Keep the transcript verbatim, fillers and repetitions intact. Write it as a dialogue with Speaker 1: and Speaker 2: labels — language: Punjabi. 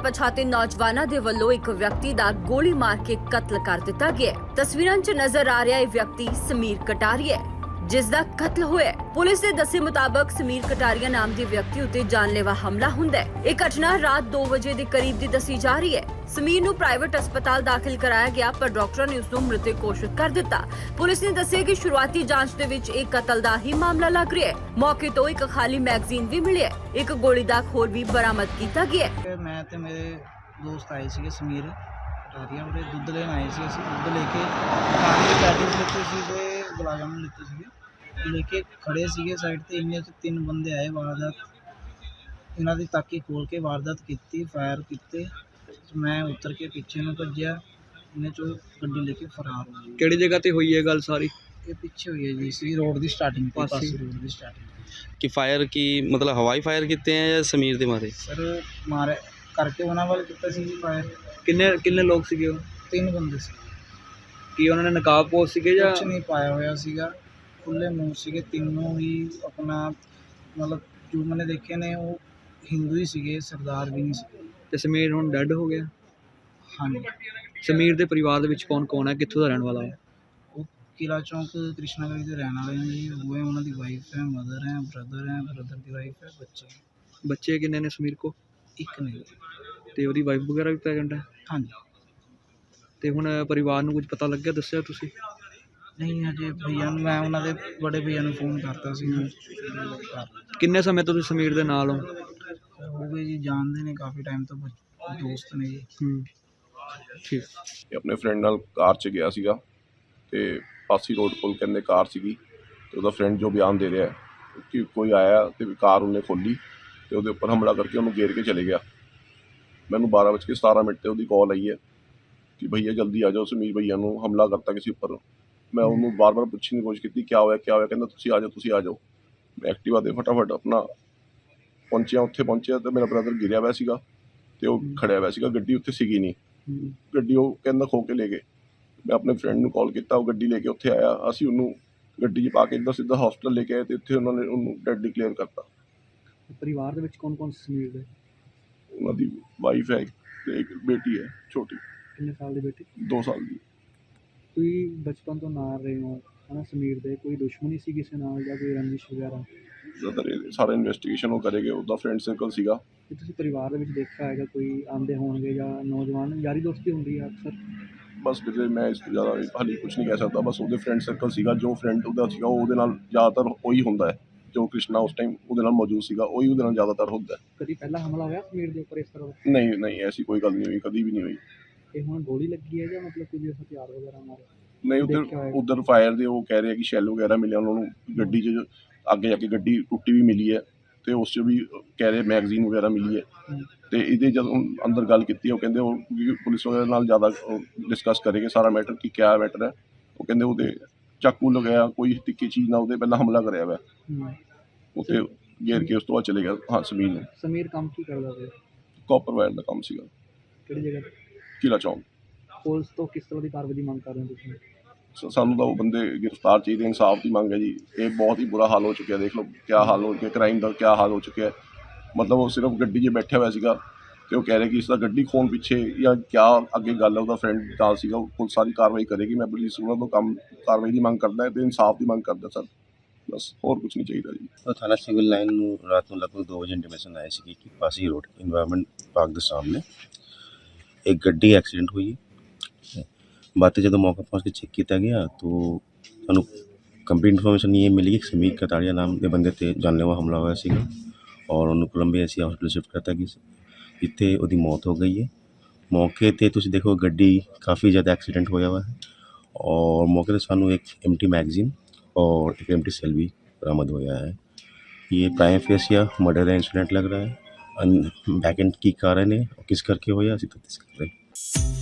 Speaker 1: ਅਣਪਛਾਤੇ ਨੌਜਵਾਨਾਂ ਦੇ ਵੱਲੋਂ ਇੱਕ ਵਿਅਕਤੀ ਦਾ ਗੋਲੀ ਮਾਰ ਕੇ ਕਤਲ ਕਰ ਦਿੱਤਾ ਗਿਆ ਹੈ। ਤਸਵੀਰਾਂ 'ਚ ਨਜ਼ਰ ਆ ਰਿਹਾ ਇਹ ਵਿਅਕਤੀ ਸਮੀਰ ਕਟਾਰੀਆ ਹੈ, ਜਿਸ ਦਾ ਕਤਲ ਹੋਇਆ। ਪੁਲਿਸ ਦੇ ਦੱਸੇ ਮੁਤਾਬਕ ਸਮੀਰ ਕਟਾਰੀਆ ਨਾਮ ਦੇ ਵਿਅਕਤੀ ਉੱਤੇ ਜਾਨਲੇਵਾ ਹਮਲਾ ਹੁੰਦਾ ਹੈ। ਇਹ ਘਟਨਾ ਰਾਤ ਦੋ ਵਜੇ ਦੇ ਕਰੀਬ ਦੀ ਦੱਸੀ ਜਾ ਰਹੀ ਹੈ। ਸਮੀਰ ਨੂੰ ਪ੍ਰਾਈਵੇਟ ਹਸਪਤਾਲ ਦਾਖਲ ਕਰਾਇਆ ਗਿਆ, ਪਰ ਡਾਕਟਰਾਂ ਨੇ ਉਸ ਨੂੰ ਮ੍ਰਿਤਕ ਘੋਸ਼ਿਤ ਕਰ ਦਿੱਤਾ। ਪੁਲਿਸ ਨੇ ਦੱਸਿਆ ਕਿ ਸ਼ੁਰੂਆਤੀ ਜਾਂਚ ਦੇ ਵਿੱਚ ਇਹ ਕਤਲ ਦਾ ਹੀ ਮਾਮਲਾ ਲੱਗ ਰਿਹਾ ਹੈ। ਮੌਕੇ ਤੋਂ ਇੱਕ ਖਾਲੀ ਮੈਗਜ਼ੀਨ ਵੀ ਮਿਲਿਆ, ਇੱਕ ਗੋਲੀ ਦਾ ਖੋਲ ਵੀ ਬਰਾਮਦ ਕੀਤਾ ਗਿਆ ਹੈ।
Speaker 2: ਮੈਂ ਤੇ ਮੇਰੇ ਦੋਸਤ ਆਏ ਸੀਗੇ ਸਮੀਰ ਕਟਾਰੀਆ, ਉਹਦੇ ਦੁੱਧ ਲੈਣ ਆਏ ਸੀ। ਅਸੀਂ ਦੁੱਧ ਲੈ ਕੇ ਪਾਣੀ ਦੀ ਪੈਟੀਜ਼ ਲਿੱਤੇ ਸੀ ਤੇ ਗੁਲਾਬ ਜਾਮੁਨ ਲਿੱਤੇ ਸੀਗੇ, ਲੈ ਕੇ ਖੜੇ ਸੀਗੇ ਸਾਈਡ ਤੇ। ਇੰਨੇ 'ਚ ਤਿੰਨ ਬੰਦੇ ਆਏ, ਵਾਰਦਾਤ ਇਹਨਾਂ ਦੀ ਤਾਕੀ ਖੋਲ ਕੇ ਵਾਰਦਾਤ ਕੀਤੀ, ਫਾਇਰ ਕੀਤੇ। ਮੈਂ ਉਤਰ ਕੇ ਪਿੱਛੇ ਨੂੰ ਭੱਜਿਆ, ਇਹਨੇ 'ਚੋਂ ਗੱਡੀ ਲੈ ਕੇ ਫਰਾਰ ਹੋ ਗਏ।
Speaker 3: ਕਿਹੜੀ ਜਗ੍ਹਾ ਤੇ ਹੋਈ ਹੈ ਗੱਲ ਸਾਰੀ?
Speaker 2: ਇਹ ਪਿੱਛੇ ਹੋਈ ਹੈ ਜੀ, ਸੀ ਰੋਡ ਦੀ ਸਟਾਰਟਿੰਗ ਤੇ, ਪਾਸੇ ਰੋਡ ਦੀ ਸਟਾਰਟਿੰਗ।
Speaker 3: ਕਿ ਫਾਇਰ ਕੀ ਮਤਲਬ ਹਵਾਈ ਫਾਇਰ ਕੀਤੇ ਆ ਜਾਂ ਸਮੀਰ ਦੇ ਮਾਰੇ?
Speaker 2: ਸਰ ਮਾਰੇ ਕਰਕੇ ਉਹਨਾਂ ਵੱਲ ਕੀਤਾ ਸੀ ਜੀ ਫਾਇਰ।
Speaker 3: ਕਿੰਨੇ ਕਿੰਨੇ ਲੋਕ ਸੀਗੇ ਉਹ?
Speaker 2: ਤਿੰਨ ਬੰਦੇ ਸੀ।
Speaker 3: ਕੀ ਉਹਨਾਂ ਨੇ ਨਕਾਬ ਪੋਸ਼ ਸੀਗੇ ਜਾਂ
Speaker 2: ਕੁਛ ਨਹੀਂ ਪਾਇਆ ਹੋਇਆ ਸੀਗਾ, ਖੁੱਲੇ ਮੂੰਹ ਸੀਗੇ ਤਿੰਨੋਂ ਹੀ। ਆਪਣਾ ਮਤਲਬ ਜੋ ਮੈंने ਦੇਖੇ ਨੇ ਉਹ ਹਿੰਦੂ ਹੀ ਸੀਗੇ, ਸਰਦਾਰ ਵੀ ਨਹੀਂ ਸੀ।
Speaker 3: ਤੇ ਸਮੀਰ ਹੁਣ ਡੈੱਡ ਹੋ ਗਿਆ?
Speaker 2: ਹਾਂਜੀ।
Speaker 3: ਸਮੀਰ ਦੇ ਪਰਿਵਾਰ ਦੇ ਵਿੱਚ ਕੌਣ ਕੌਣ ਹੈ, ਕਿੱਥੋਂ ਦਾ ਰਹਿਣ ਵਾਲਾ ਹੈ?
Speaker 2: ਉਹ ਕਿਲਾ ਚੌਂਕ ਕ੍ਰਿਸ਼ਨਾ ਗਲੀ ਦੇ ਰਹਿਣ ਵਾਲੇ ਨੇ ਜੀ। ਉਹ ਹੈ, ਉਹਨਾਂ ਦੀ ਵਾਈਫ ਹੈ, ਮਦਰ ਹੈ, ਬ੍ਰਦਰ ਹੈ, ਬ੍ਰਦਰ ਦੀ ਵਾਈਫ ਹੈ, ਬੱਚੇ।
Speaker 3: ਬੱਚੇ ਕਿੰਨੇ ਨੇ ਸਮੀਰ ਕੋ?
Speaker 2: ਇੱਕ ਨਹੀਂ।
Speaker 3: ਤੇ ਉਹਦੀ ਵਾਈਫ ਵਗੈਰਾ ਵੀ ਪ੍ਰੈਗਨੈਂਟ ਹੈ?
Speaker 2: ਹਾਂਜੀ।
Speaker 3: ਤੇ ਹੁਣ ਪਰਿਵਾਰ ਨੂੰ ਕੁਝ ਪਤਾ ਲੱਗਿਆ, ਦੱਸਿਆ ਤੁਸੀਂ?
Speaker 2: ਨਹੀਂ ਹਜੇ ਭਈਆ ਨੂੰ, ਮੈਂ ਉਹਨਾਂ ਦੇ ਬੜੇ ਭਈਆ ਨੂੰ ਫੋਨ ਕਰਤਾ ਸੀ।
Speaker 3: ਕਿੰਨੇ ਸਮੇਂ ਤੋਂ ਤੁਸੀਂ ਸਮੀਰ ਦੇ ਨਾਲ ਹੋ?
Speaker 2: ਹੋ ਗਏ ਜੀ, ਜਾਣਦੇ ਨੇ ਕਾਫੀ ਟਾਈਮ ਤੋਂ, ਦੋਸਤ ਨੇ ਜੀ।
Speaker 3: ਹੂੰ, ਠੀਕ।
Speaker 4: ਆਪਣੇ ਫਰੈਂਡ ਨਾਲ ਕਾਰ 'ਚ ਗਿਆ ਸੀਗਾ ਤੇ ਪਾਸੀ ਰੋਡ ਕੋਲ ਕਹਿੰਦੇ ਕਾਰ ਸੀਗੀ, ਤੇ ਉਹਦਾ ਫਰੈਂਡ ਜੋ ਬਿਆਨ ਦੇ ਰਿਹਾ ਕਿ ਕੋਈ ਆਇਆ ਤੇ ਕਾਰ ਉਹਨੇ ਖੋਲੀ ਤੇ ਉਹਦੇ ਉੱਪਰ ਹਮਲਾ ਕਰਕੇ ਉਹਨੂੰ ਘੇਰ ਕੇ ਚਲੇ ਗਿਆ। ਮੈਨੂੰ ਬਾਰਾਂ ਵੱਜ ਕੇ ਸਤਾਰਾਂ ਮਿੰਟ 'ਤੇ ਉਹਦੀ ਕਾਲ ਆਈ ਹੈ ਕਿ ਭਈਆ ਜਲਦੀ ਆ ਜਾਓ, ਸਮੀਰ ਭਈਆ ਨੂੰ ਹਮਲਾ ਕਰਤਾ ਕਿਸੇ ਉੱਪਰ। ਮੈਂ ਉਹਨੂੰ ਬਾਰ ਬਾਰ ਪੁੱਛਣ ਦੀ ਕੋਸ਼ਿਸ਼ ਕੀਤੀ ਕਿਆ ਹੋਇਆ ਕਿਆ ਹੋਇਆ, ਕਹਿੰਦਾ ਤੁਸੀਂ ਆ ਜਾਓ ਤੁਸੀਂ ਆ ਜਾਓ। ਮੈਂ ਐਕਟਿਵਾ 'ਤੇ ਫਟਾਫਟ ਆਪਣਾ ਪਹੁੰਚਿਆ, ਉੱਥੇ ਪਹੁੰਚਿਆ ਤੇ ਮੇਰਾ ਬ੍ਰਦਰ ਗਿਰਿਆ ਹੋਇਆ ਸੀਗਾ ਤੇ ਉਹ ਖੜਿਆ ਹੋਇਆ ਸੀਗਾ। ਗੱਡੀ ਉੱਥੇ ਸੀਗੀ ਨਹੀਂ, ਗੱਡੀ ਉਹ ਕਹਿੰਦਾ ਖੋ ਕੇ ਲੈ ਗਏ। ਮੈਂ ਆਪਣੇ ਫਰੈਂਡ ਨੂੰ ਕਾਲ ਕੀਤਾ, ਉਹ ਗੱਡੀ ਲੈ ਕੇ ਉੱਥੇ ਆਇਆ। ਅਸੀਂ ਉਹਨੂੰ ਗੱਡੀ 'ਚ ਪਾ ਕੇ ਇੱਧਰ ਸਿੱਧਾ ਹਸਪਤਾਲ ਲੈ ਕੇ ਆਏ ਤੇ ਇੱਥੇ ਉਹਨਾਂ ਨੇ ਉਹਨੂੰ ਡੈਡ ਡਿਕਲੇਅਰ ਕਰਤਾ।
Speaker 3: ਪਰਿਵਾਰ ਦੇ ਵਿੱਚ ਕੌਣ ਕੌਣ ਸਮੀਰ ਦੇ?
Speaker 4: ਉਹਨਾਂ ਦੀ ਵਾਈਫ ਹੈ ਤੇ ਇੱਕ ਬੇਟੀ ਹੈ ਛੋਟੀ।
Speaker 3: ਕਿੰਨੇ ਸਾਲ ਦੀ ਬੇਟੀ? ਦੋ
Speaker 4: ਸਾਲ ਦੀ।
Speaker 3: ਕੋਈ ਬਚਪਨ ਤੋਂ ਨਾਲ ਰਹੇ ਹੋ ਹੈ ਨਾ ਸਮੀਰ ਦੇ, ਕੋਈ ਦੁਸ਼ਮਣੀ ਸੀ ਕਿਸੇ ਨਾਲ ਜਾਂ ਕੋਈ ਰੰਜਿਸ਼ ਵਗੈਰਾ?
Speaker 4: ਜ਼ਿਆਦਾਤਰ ਇਹ ਸਾਰਾ ਇਨਵੈਸਟੀਗੇਸ਼ਨ ਉਹ ਕਰੇਗੇ। ਉਹਦਾ ਫਰੈਂਡ ਸਰਕਲ ਸੀਗਾ।
Speaker 3: ਕਿ ਤੁਸੀਂ ਪਰਿਵਾਰ ਦੇ ਵਿੱਚ ਦੇਖਿਆ ਹੈਗਾ ਕੋਈ ਆਉਂਦੇ ਹੋਣਗੇ ਜਾਂ ਨੌਜਵਾਨ ਯਾਰੀ ਦੋਸਤੀ ਹੁੰਦੀ ਹੈ ਅਕਸਰ?
Speaker 4: ਬਸ ਵੀਰੇ ਮੈਂ ਇਸ ਤੋਂ ਜ਼ਿਆਦਾ ਹਾਲੇ ਕੁਛ ਨਹੀਂ ਕਹਿ ਸਕਦਾ। ਬਸ ਉਹਦੇ ਫਰੈਂਡ ਸਰਕਲ ਸੀਗਾ, ਜੋ ਫਰੈਂਡ ਉਹਦਾ ਸੀਗਾ ਉਹਦੇ ਨਾਲ ਜ਼ਿਆਦਾਤਰ ਉਹੀ ਹੁੰਦਾ ਹੈ। ਜੋ ਕ੍ਰਿਸ਼ਨਾ ਉਸ ਟਾਈਮ ਉਹਦੇ ਨਾਲ ਮੌਜੂਦ ਸੀਗਾ ਉਹੀ ਉਹਦੇ ਨਾਲ ਜ਼ਿਆਦਾਤਰ ਹੁੰਦਾ ਹੈ।
Speaker 3: ਕਦੀ ਪਹਿਲਾਂ ਹਮਲਾ ਹੋਇਆ ਸਮੀਰ ਦੇ ਉੱਪਰ ਇਸ ਤਰ੍ਹਾਂ ਦਾ?
Speaker 4: ਨਹੀਂ ਨਹੀਂ, ਐਸੀ ਕੋਈ ਗੱਲ ਨਹੀਂ ਹੋਈ, ਕਦੀ ਵੀ ਨਹੀਂ ਹੋਈ।
Speaker 3: ਤੇ ਹੁਣ ਗੋਲੀ ਲੱਗੀ ਹੈ ਜਾਂ ਮਤਲਬ ਕੋਈ ਹਥਿਆਰ ਵਗੈਰਾ ਮਾਰੇ?
Speaker 4: ਨਹੀਂ, ਉੱਧਰ ਉੱਧਰ ਫਾਇਰ ਦੇ ਉਹ ਕਹਿ ਰਹੇ ਕਿ ਸ਼ੈਲ ਵਗੈਰਾ ਮਿਲਿਆ ਉਹਨਾਂ ਨੂੰ। ਗੱਡੀ 'ਚ ਅੱਗੇ ਜਾ ਕੇ ਗੱਡੀ ਟੁੱਟੀ ਵੀ ਮਿਲੀ ਹੈ ਤੇ ਉਸ 'ਚ ਵੀ ਕਹਿ ਰਹੇ ਮੈਗਜ਼ੀਨ ਵਗੈਰਾ ਮਿਲੀ ਹੈ। ਤੇ ਇਹਦੇ ਜਦੋਂ ਅੰਦਰ ਗੱਲ ਕੀਤੀ ਉਹ ਕਹਿੰਦੇ ਉਹ ਪੁਲਿਸ ਵਗੈਰਾ ਨਾਲ ਜ਼ਿਆਦਾ ਡਿਸਕਸ ਕਰੇਗੇ ਸਾਰਾ ਮੈਟਰ ਕਿ ਕਿਆ ਮੈਟਰ ਹੈ। ਉਹ ਕਹਿੰਦੇ ਉਹਦੇ ਚਾਕੂ ਲਗਾਇਆ, ਕੋਈ ਤਿੱਖੀ ਚੀਜ਼ ਨਾਲ ਉਹਦੇ ਪਹਿਲਾਂ ਹਮਲਾ ਕਰਿਆ ਹੋਇਆ, ਉੱਥੇ ਘੇਰ ਕੇ ਉਸ ਤੋਂ ਬਾਅਦ ਚਲੇ ਗਿਆ। ਹਾਂ, ਸਮੀਰ ਨੇ।
Speaker 3: ਸਮੀਰ ਕੰਮ ਕੀ ਕਰਦਾ ਸੀ?
Speaker 4: ਕਾਪਰ ਵਾਇਰ ਦਾ ਕੰਮ ਸੀਗਾ।
Speaker 3: ਕਿਹੜੀ ਜਗ੍ਹਾ?
Speaker 4: ਕਿਲਾ ਚੌਂਕ।
Speaker 3: ਪੁਲਿਸ ਤੋਂ ਕਿਸ ਤਰ੍ਹਾਂ ਦੀ ਕਾਰਵਾਈ ਦੀ ਮੰਗ ਕਰ ਰਹੇ ਹੋ ਤੁਸੀਂ?
Speaker 4: ਸਾਨੂੰ ਤਾਂ ਉਹ ਬੰਦੇ ਗ੍ਰਿਫਤਾਰ ਚਾਹੀਦੇ, ਇਨਸਾਫ ਦੀ ਮੰਗ ਹੈ ਜੀ। ਇਹ ਬਹੁਤ ਹੀ ਬੁਰਾ ਹਾਲ ਹੋ ਚੁੱਕਿਆ, ਦੇਖ ਲਓ ਕਿਆ ਹਾਲ ਹੋ ਚੁੱਕਿਆ, ਕ੍ਰਾਈਮ ਦਾ ਕਿਆ ਹਾਲ ਹੋ ਚੁੱਕਿਆ। ਮਤਲਬ ਉਹ ਸਿਰਫ ਗੱਡੀ 'ਚ ਬੈਠਿਆ ਹੋਇਆ ਸੀਗਾ ਤੇ ਉਹ ਕਹਿ ਰਹੇ ਕਿ ਇਸ ਦਾ ਗੱਡੀ ਖੋਣ ਪਿੱਛੇ ਜਾਂ ਕਿਆ ਅੱਗੇ ਗੱਲ ਹੈ। ਉਹਦਾ ਫਰੈਂਡ ਨਾਲ ਸੀਗਾ, ਉਹ ਪੁਲਿਸ ਸਾਰੀ ਕਾਰਵਾਈ ਕਰੇਗੀ। ਮੈਂ ਪੁਲਿਸ ਉਹਨਾਂ ਤੋਂ ਕੰਮ ਕਾਰਵਾਈ ਦੀ ਮੰਗ ਕਰਦਾ ਤੇ ਇਨਸਾਫ ਦੀ ਮੰਗ ਕਰਦਾ ਸਰ, ਬਸ ਹੋਰ ਕੁਛ ਨਹੀਂ ਚਾਹੀਦਾ ਜੀ।
Speaker 5: तो थाना सिविल लाइन ਨੂੰ ਰਾਤ ਨੂੰ ਲਗਭਗ ਦੋ ਵਜੇ ਇੰਟੀਮੇਸ਼ਨ ਆਈ ਸੀ ਕਿ ਪਾਸੀ ਰੋਡ ਇਨਵਾਇਰਨਮੈਂਟ ਪਾਰਕ ਦੇ ਸਾਹਮਣੇ ਇੱਕ ਗੱਡੀ ਐਕਸੀਡੈਂਟ ਹੋਈ ਹੈ। ਬਾਅਦ ਜਦੋਂ ਮੌਕਾ ਪਹੁੰਚ ਕੇ ਚੈੱਕ ਕੀਤਾ ਗਿਆ ਤਾਂ ਸਾਨੂੰ ਕੰਪਲੀਟ ਇਨਫੋਰਮੇਸ਼ਨ ਇਹ ਮਿਲੀ ਕਿ ਸਮੀਰ ਕਟਾਰੀਆ ਨਾਮ ਦੇ ਬੰਦੇ 'ਤੇ ਜਾਨਲੇਵਾ ਹਮਲਾ ਹੋਇਆ ਸੀਗਾ ਔਰ ਉਹਨੂੰ ਕੋਲੰਬੀਆ ਸੀ ਹਸਪਤਾਲ ਸ਼ਿਫਟ ਕਰਤਾ ਗਿਆ ਸੀ, ਜਿੱਥੇ ਉਹਦੀ ਮੌਤ ਹੋ ਗਈ ਹੈ। ਮੌਕੇ 'ਤੇ ਤੁਸੀਂ ਦੇਖੋ ਗੱਡੀ ਕਾफ़ੀ ज़्यादा एक्सीडेंट होया हुआ है और मौके पर सानू एक एम्प्टी मैगजीन और एक एम्प्टी सेल भी बरामद होया है। ये प्राइम फेस या मर्डर का इंसिडेंट लग रहा है। बैक एंड की कारण है और किस करके होया असीं तफ्तीश कर रहे हैं।